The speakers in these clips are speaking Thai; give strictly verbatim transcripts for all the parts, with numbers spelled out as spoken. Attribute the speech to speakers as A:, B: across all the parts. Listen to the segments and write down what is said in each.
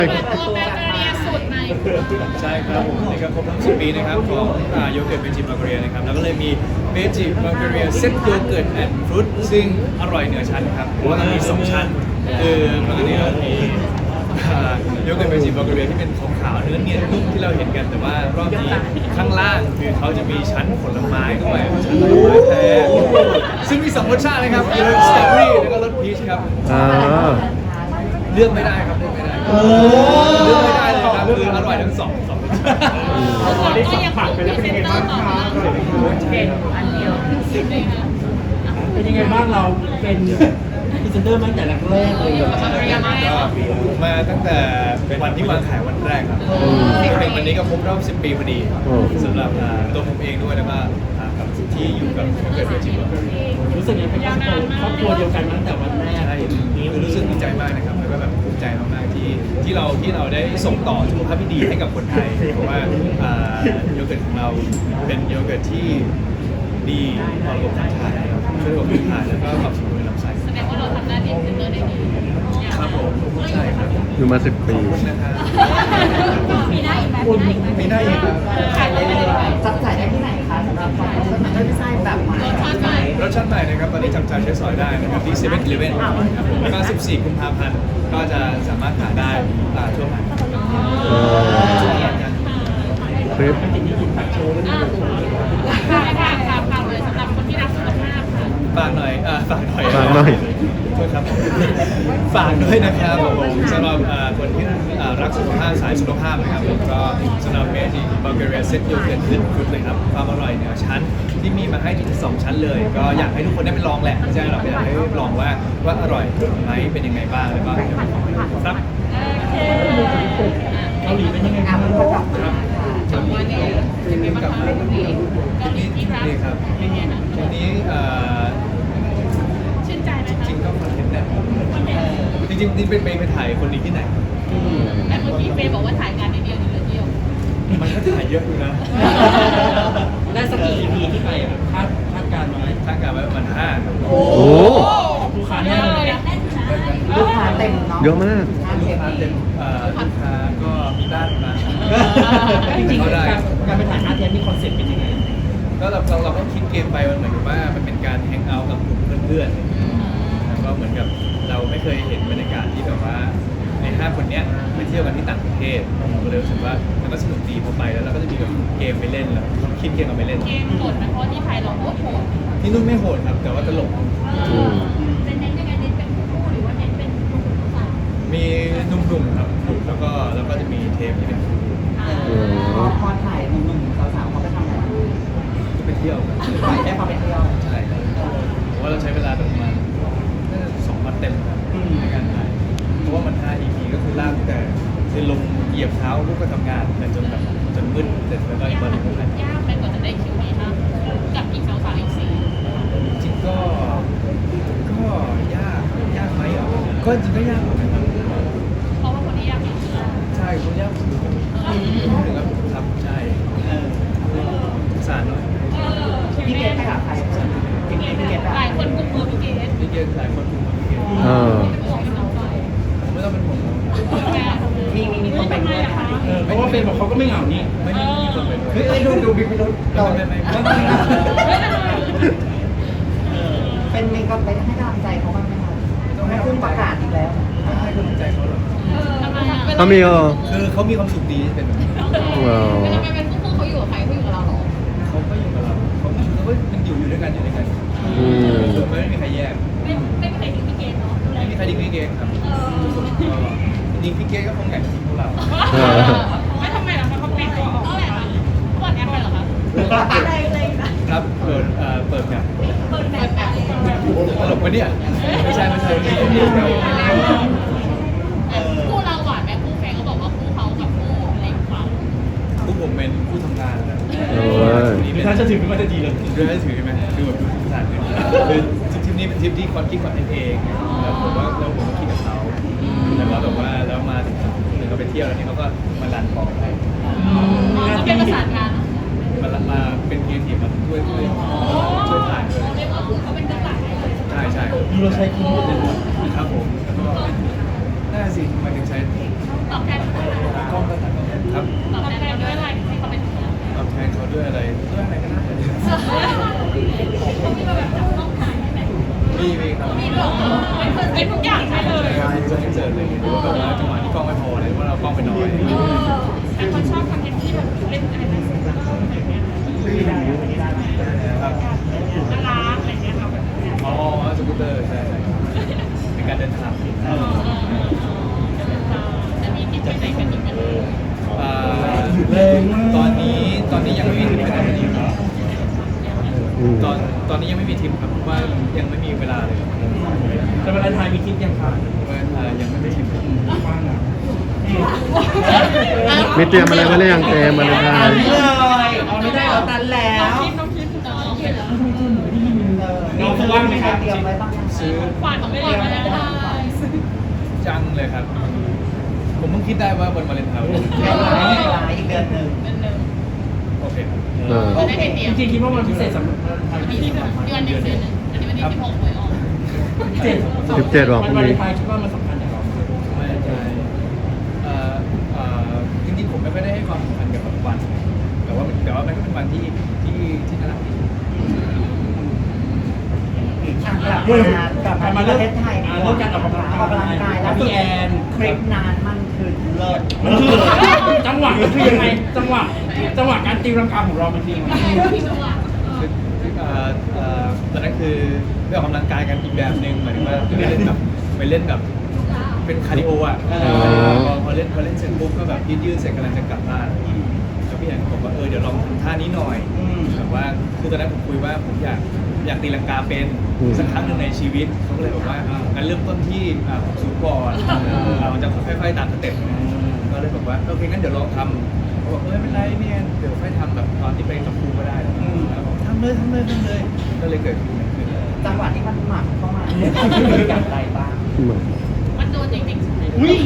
A: เปิดตัวแบเกอรี่สูตรใหม่
B: ใช่ครับผมนี่ก็ครบทั้งสิบปีนะครับของโยเกิร์ตเบจิบัลแกเรียนะครับแล้วก็เลยมีเบจิบัลแกเรียเซ็ตโยเกิร์ตแอนด์ฟรุตซึ่งอร่อยเหนือชั้นครับเพราะว่ามันมีสองชั้นคือปกติเรามีโยเกิร์ตเบจิบัลแกเรียที่เป็นขาวๆเนื้อเนียนนุ่มที่เราเห็นกันแต่ว่ารอบนี้ข้างล่างคือเขาจะมีชั้นผลไม้ด้วยชั้นผลไม้แท้ซึ่งมีสองรสชาตินะครับคือรสสตรอเบอรี่แล้วก็รสพีชครับเลือกไม่ได้ครับเลือกไม่ได้เลือกไม่ได้เลยครับคืออร่อยทั้งสองสองรสชาติ
C: ได้สัมผัสไปแล้วเป็นยังไงบ้างคะเป็นอันเดียวเป็นยังไงบ้างเราเป็นพรีเซนเตอร์มาตั้งแต่แรกเลย
B: มาตั้งแต่เป็นวันที่วางขายวันแรกครับเป็นวันนี้ก็ครบรอบสิบปีพอดีสำหรับตัวผมเองด้วยแล้วก็กับที่อยู่กับเกิดเวจิบัล
C: รู้สึกยังเป็นครอบครัวเดียวกันตั้งแต่วันแรก
B: รู้สึกดีใจมากนะครับแล้วก็แบบภูมิใจมากๆที่ที่เราที่เราได้ส่งต่อสุขภาพที่ดีให้กับคนไทยเพราะว่าโยเกิร์ตของเราเป็นโยเกิร์ตที่ดีต่อระบบขับถ่ายช่วยระบบขับถ่ายแล้วก็ปรับสมดุลลำไส้
A: แสดงว่าเราทำหน้าที่เป็นเตอร์ได้ดี
B: ครับผมใช่ครับ
D: อยู่มาสิบปี
B: นะครับ
A: มีได้อีกไหม
B: มีได้อีกครับ
A: ขายได้เลย
C: จับจ่ายได้ที่ไหนคะสำหรับของรสไม่ใช่แบบใหม่
A: รสชาติใหม่
B: รสชาติใหม่นะครับตอนนี้จับจ่ายใช้สอยได้นะครับที่เซเว่นอีเลฟเว่นครับผมแล้วก็สิบสี่กุมภาพันธ์ก็จะสามารถหาได้ทั่วไป
D: คลิป
A: ฝากฝากฝากฝากเลยสำหรับคนที่รักสุขภาพค่ะ
B: ฝากหน่อยอ่าฝากหน่อย
D: ฝากหน่อย
B: โทษครับฝากด้วยนะครับผมสำหรับคนที่รักสุขภาพสายสุขภาพนะครับผมก็สำหรับเมจิบัลแกเรียเซ็ตโยเกิร์ตขึ้นฟุตเลยครับความอร่อยเหนือชั้นที่มีมาให้ถึงสองชั้นเลยก็อยากให้ทุกคนได้ไปลองแหละไม่ใช่หรอกอยากให้ลองว่าว่าอร่อยไหมเป็นยังไงบ้างแล้วก็ครับ
C: เกาหลีเป็นยังไงบ้างครับ
A: จังหวะนี้เป็นไงบ้างคะเกาหลีที่รัก
B: ครับทีนี้
A: ชื่นใจไหม
B: จริงก็คอนเทนต์แหละจริงจริงนี่เป็นไปถ่ายคนนี้ที่ไหน
A: แต่เมื่อกี้เฟย์บอกว่าถ่ายงานในเดียวนี่เลยเดียว
B: มันก็ถ่ายเยอะอยู่นะ
C: ได้สักกี่ อี พี ที่ไปคาดคาดการไว้
B: คาดการไว้ประมาณห้า
D: โอ้
C: ลูกค้าแน่เลย
D: ลูกค้าเต็มเยอะมาก
B: ลูกค้าเต็มลูกค้าก็มีบ้านมา
C: จริงๆการการไปถ่ายอาร์ตเนี่ยมีคอนเซ็ปต์เป็นยังไง
B: ก็เราเราก็คิดเกมไปมันเหมือนกับว่ามันเป็นการแฮงเอาท์กับกลุ่มเพื่อนๆแล้วก็เหมือนกับเราไม่เคยเห็นบรรยากาศที่แบบว่าในห้าคนเนี้ยไปเที่ยวกันที่ต่างประเทศเราก็เลยรู้สึกว่ามันก็สนุกดีพอไปแล้วเราก็จะมีแบบเกมไปเล่นแล้วคิดเกมกันไปเล่น
A: เกมโหดนะเพราะที่ไทยเราโคตรโหด
B: ที่นู่นไม่โหดครับแต่ว่าตลก
A: เป็นเน้นยังไงเน้นเป็นคู่หรือว่าเน้นเป็น
B: มีหนุ่มๆครับแล้วก็แล้วก็จะมีเทปที่เป็นคู่
C: พอถ่ายหนุ่มๆสาวๆเขาไปทำอะไร
B: ก็ไปเที่ยว
C: ถ่ายได้พอไปเที่ยว
B: ใช่เพราะว่าเราใช้เวลาประมาณสองวันเต็มในการถ่ายเพราะว่ามันห้า อี พี ก็คือลากแต่คือลงเหยียบเท้าลูกก็ทำงานแต่จนแบบจนมืดเสร็จแล้วก็บริโภค
A: ยากไปกว่าจะได้คิวนี้นะกับอีกสาวสาวอีกสี่
B: จริงก็ก็ยากยากไหมอ่ะก็จริงก็ยากเหมือนกัน
A: เพราะว่าคนนี้ยากที่สุด
B: ใช่คนยากสุดถึงกับครับใช่สารหน่อย
C: พี่เกดไปหาใครพี่เกดพี่เกด
A: หลายคนกุมมือพี่เกด
B: พี่เกดหลายคนกุมมือพี่เกดไม่ต้องเป็นห่วง
C: มีมีมีคนไปด้วยค่ะเพราะว่าเป็นบอกเขาก็ไม่เหงานี่
B: ไม่มีคนไป
C: เฮ้ยดูดูบิ๊กไม่รู้
B: ต่อไม่ไม่ไม่
C: เป็นมีคนไปให้กำลังใจเขาบ้างไหมคะต้องให้คุณประกาศอีกแล้ว
B: ให้กำลังใจเขาหรอ
D: เขามีอ่ะ
B: คือเขามีความสุขดีเป็นแบบ
A: ว้าวเป็นทำไมเป็นคู่เขาอยู่กับใครเขาอยู่กับเราหรอ
B: เขาก็อยู่กับเราเขาเขาก็มันอยู่อยู่ด้วยกันอยู่ด้วยกันคือไม่มีใครแยก
A: ไม่ไม่มีใครทิ้งพี่เกณฑ์เนาะ
B: ไม่มีใครทิ้งพี่เกณฑ์ครับจริงพี่เกณฑ์ก็คงแอบทิ้งพวกเรา
A: ไม่ทำไมล่ะเขาแปลงตัวออกเขาแบบเปิดแอปไปเหรอคะอะไรเลย
B: ครับเปิดเอ่อเปิดแบบ
A: เปิดแบบ
B: ตลกปะเนี่ยไม่ใช่ไม่ใช่
A: คู่เราหวานไหมคู่แฟนเขาบอกว่าคู่เขากับคู่อะไรกว่า
B: คู่ผมเป็นคู่ทำงานนะ
C: ถ้าจะถือมันจะดีเลย
B: เรื่องให้ถือใช่ไหมคือแบบดูสถานคือทริปนี้เป็นทริปที่คอนคิดคอนเทนต์เองแล้วผมว่าแล้วผมก็คิดกับเขาแล้วก็แบบว่าแล้วมาถึงถึงเขาไปเที่ยวแล้วนี่เขาก็มาลันบอกให้
A: เขาเป็นประสานงาน
B: มามาเป็นเกียร์ทีมมาช่วยช่วยช่วยถ่ายด้วย
A: เรียกว่าเขาเป็นกระต่าย
B: ใช่ใช่
C: เราใช้คุ้มเลย
B: ครับผมแล้วก็น่าสิหมายถึงใช้
A: ตอบแทนเขาด้วยอะไร
B: กล้องก็ตัดครับ
A: ตอบแทนเขาด้วยอะไรที่เขาเป็น
B: ตอบแทนเขาด้วยอะไรด้วยอะไรก็ได้
A: เขามีแบบจับต้องถ่ายไหม
B: มีมีครับ
A: มีหรอเป็นทุกอย่างใช่เลย
B: ใช่จะให้เจอเลยหรือว่าแบบว่าจังหวะที่กล้องไม่พอเลยว่าเรากล้องไปน้อย
A: แต่คนชอบคอนเทนต์ที่แบบเล่นอะไรนะอะไรเงี้ย
B: ครับ
A: น่ารักอะไรเงี้ยค่ะแบบ
B: อ๋อสกูตเตอร์ใช่ใช่เป็นการเดินทาง
A: จะมีที่ไปไหนกันอีกไหม
B: อ่าตอนนี้ตอนนี้ยังไม่มีทริปไปไหนกันอีกครับ
D: อืม
B: ตอนตอนนี้ยังไม่มีทริปครับเพราะว่ายังไม่มีเวลาเลยครับ
C: แต่เวลาไทยมีคลิปยังคะ
B: เพราะว่าอ่ายังไม่มีทริป
C: ว่างอ่ะ
D: มีเตรียมอะไรไว้หรือยังเตรียมอะไรได้
C: เลยเอาไม่ได้เอาตันแล้ว
A: คิดน้องคิดน้องคิดเหรอ
C: น้องว่างไหมครับ
B: ซื้อ
A: ขวานของไม่ได้ไม่ได้
B: จังเลยครับ ผมเพิ่งคิดได้ว่าวันวาเลนไทน์
E: อีกเดือนหนึ่ง
A: เป็นหนึ่ง
B: โอเคครับ
D: เออ
A: จะได้เห็นเดียว
C: จริงๆคิดว่ามันพิเศษสำหรับไทย
A: วันนี้ที่เดือนหนึ่งเดือนหนึ่งอันนี้วันที่สิบหกหวยออก
C: เจ็ด
D: สิบเจ็ดหรอพรุ่ง
C: วันวาเล
D: นี้
C: นไทน์คิดว่ามันสำคัญอย่างไร
B: ไม่ใช่เอ่อเอ่อจริงๆผมไม่ค่อยได้ให้ความสำคัญกับวัน แต่ว่ามันแต่ว่ามันก็เป็นวันที่ที่ที่น่ารักดี
E: กลับมากลับมาที่ประเทศไทย
C: อ่าเรื่องการออกกำลัง
E: ออกกำลังกายแล้ว
C: พี่แอน
E: คลิปนานมันคือเลิศ
C: มันคือจังหวะมันคือยังไงจังหวะจังหวะการตีรังกาของเรามันคือยังไง
B: คือเอ่อเอ่อตอนนั้นคือไปออกกำลังกายกันอีกแบบหนึ่งหมายถึงว่าไปเล่นแบบไปเล่นแบบเป็นคาร์ดิโออ่ะพอพอเล่นพอเล่นเสร็จปุ๊บก็แบบยืดยืดเสร็จกำลังจะกลับบ้านแล้วพี่แอนก็บอกว่าเออเดี๋ยวลองทำท่านี้หน่อยแบบว่าคือตอนนั้นผมคุยว่าผมอยากอยากตีลังกาเป็นสักครั้งหนึ่งในชีวิตเขาก็เลยบอกว่างั้นเริ่มต้นที่อ่าหกสูงก่อนเราจะค่อยๆตามสเต็ปก็เลยบอกว่าโอเคงั้นเดี๋ยวลองทำเขาบอกเออไม่เป็นไรเนี่ยเดี๋ยวค่อยทำแบบตอนที่ไปกับครูก็ได้บอกทำเลยทำเลยทำเลยก็เลยเกิดขึ้น
E: จังหวะที่มันหมักเข้ามาอย่างไรบ้าง
A: มันโดนจริงๆใช่ไหม
C: อุ้ย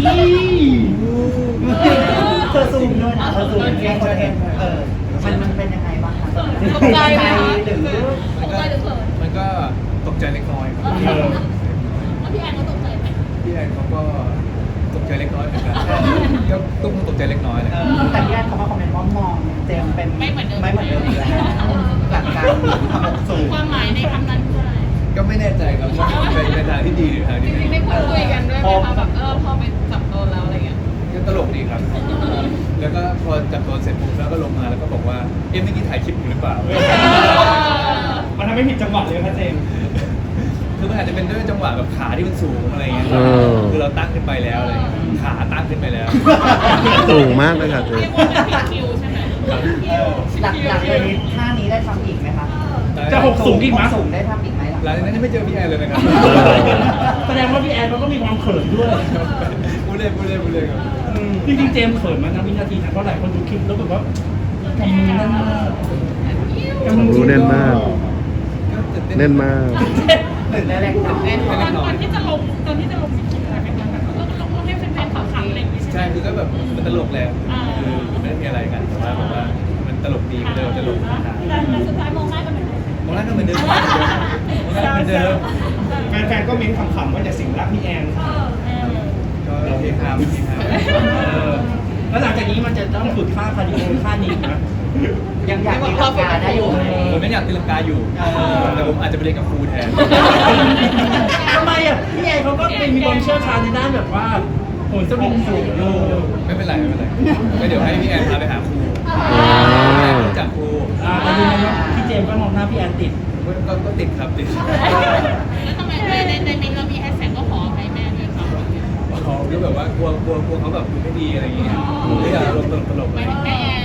E: เธอซูมด้วยนะเธอซูมเรียกคนเห็นเออมันมันเป็นยังไงบ้างคะ
A: ตกใจไหมคะ
E: หรือ
A: ตกใจหรือเขิน
B: มันก็ตกใจเล็กน้อยครับ
A: แล้วพี่แอนก็ตกใจไหม
B: พี่แอนเขาก็ตกใจเล็กน้อยเหมือนกันก็ต้องตกใจเล็กน้อยเลย
E: แต่ที่แรกเขามาคอมเมนต์ว่ามองเจมเป็นไม่เหมือนเดิมอีกแล้วจากการทำสูง
A: ความหมายในคำนั้นคืออะไร
B: ก็ไม่แน่ใจครับว่าเป็นในทางที่ดีหรือทาง
A: จ
B: ที่
A: ริงๆ
B: ไม่
A: ได้
B: ดี
A: คุยกันด้วยไหมคะแบบเออพอไปจับโดนแล้วอะไรเงี้ย
B: ก็ตลกดีครับ แล้วก็พอจับตัวเสร็จปุ๊บแล้วก็ลงมาแล้วก็บอกว่าเอ๊ะเมื่อกี้ถ่ายคลิปอยู่หรือเปล่า
C: มันทำให้ผิดจังหวะเลยครับเจมส์
B: คือมันอาจจะเป็นด้วยจังหวะแบบขาที่มันสูงอะไรเงี้ย
D: เออ
B: คือเราตั้งขึ้นไปแล้วอะไรเงี้ยขาตั้งขึ้นไปแล้ว
D: สูงมากเลยค่ะเจ๊
A: เรียกว่าเป็นคิวใช่ไหม
E: หลักหลักเลยท่านี้ได้ทำอีกไหมคะ
C: จะหกสูงอีกไหม
E: สูงได้ทำอีกไหม
B: หลังจากนั้นยังไม่เจอพี่แอนเลยนะครับ
C: แสดงว่าพี่แอนเขาก็มีความเขินด้วย
B: พูดเล่นพูดเล่นพูดเล่นครับ
C: จริงๆเจมส์เขินมานะวินาทีนะเพราะหลายคนดูคลิปแล้วแบบว่ากำมือแน่นมากกำมือ
D: รู้แน่นมาก
B: ก็ตื่นเต้น
D: แน่นมาก
E: ตื่นได้แรงน้อย
A: ตอนตอนที่จะลงตอนที่จะลงมีคิดอะไรไหมคะแบบเออลงให้แฟนๆขำๆอะไรอย่างงี้ใช่
B: ใช่
A: ไหม
B: คือก็แบบมันตลกแหละคือไม่ได้มีอะไรกันแต่ว่าแบบว่ามันตลกดีก็เลยเอาตลกมาถ่าย
A: แต่สุดท้ายมองหน้ากันเหมือนเดิม
B: มองหน้าก็เหมือนเดิมมองหน้าเหมือนเดิม
C: แฟนๆก็เม้นขำๆว่าจะสิงรักพี่แอน
B: ก็เฮฮาไม่เฮฮา
C: แล้วหลังจากนี้มันจะต้องฝึกท่าคาร์ดิโอท่านี้นะ
E: ยังอยากมีราคาได้อยู่ไหม
B: ผมไม่อยากตีลังกาอยู่ แต่ผมอาจจะไปเรียนกับครูแทน
C: ทำไมอ่ะพี่แอนเขาก็เป็นมีความเชี่ยวชาญในด้านแบบว่าโหนสวิงสูงโล
B: ไม่เป็นไรไม่เป็นไรก็เดี๋ยวให้พี่แอนพาไปหาครู
D: อ่า
B: จากครู
C: อ่าแต่ดูนะพี่เจมส์ก็มองหน้าพี่แอนติด
B: ก็ก็ติดครับติด
A: แล้วทำไมในในในมินเรามีแฮชแท็กก็ขอให้แม่ด้วยครับ
B: เขาก็แบบว่ากลัวกลัวกลัวเขาแบบดูไม่ดีอะไรอย่างเงี้ยไม่อยากลงตลกตลก
A: ห
B: เล
A: มาย
B: ย
A: ถึงแม่แอน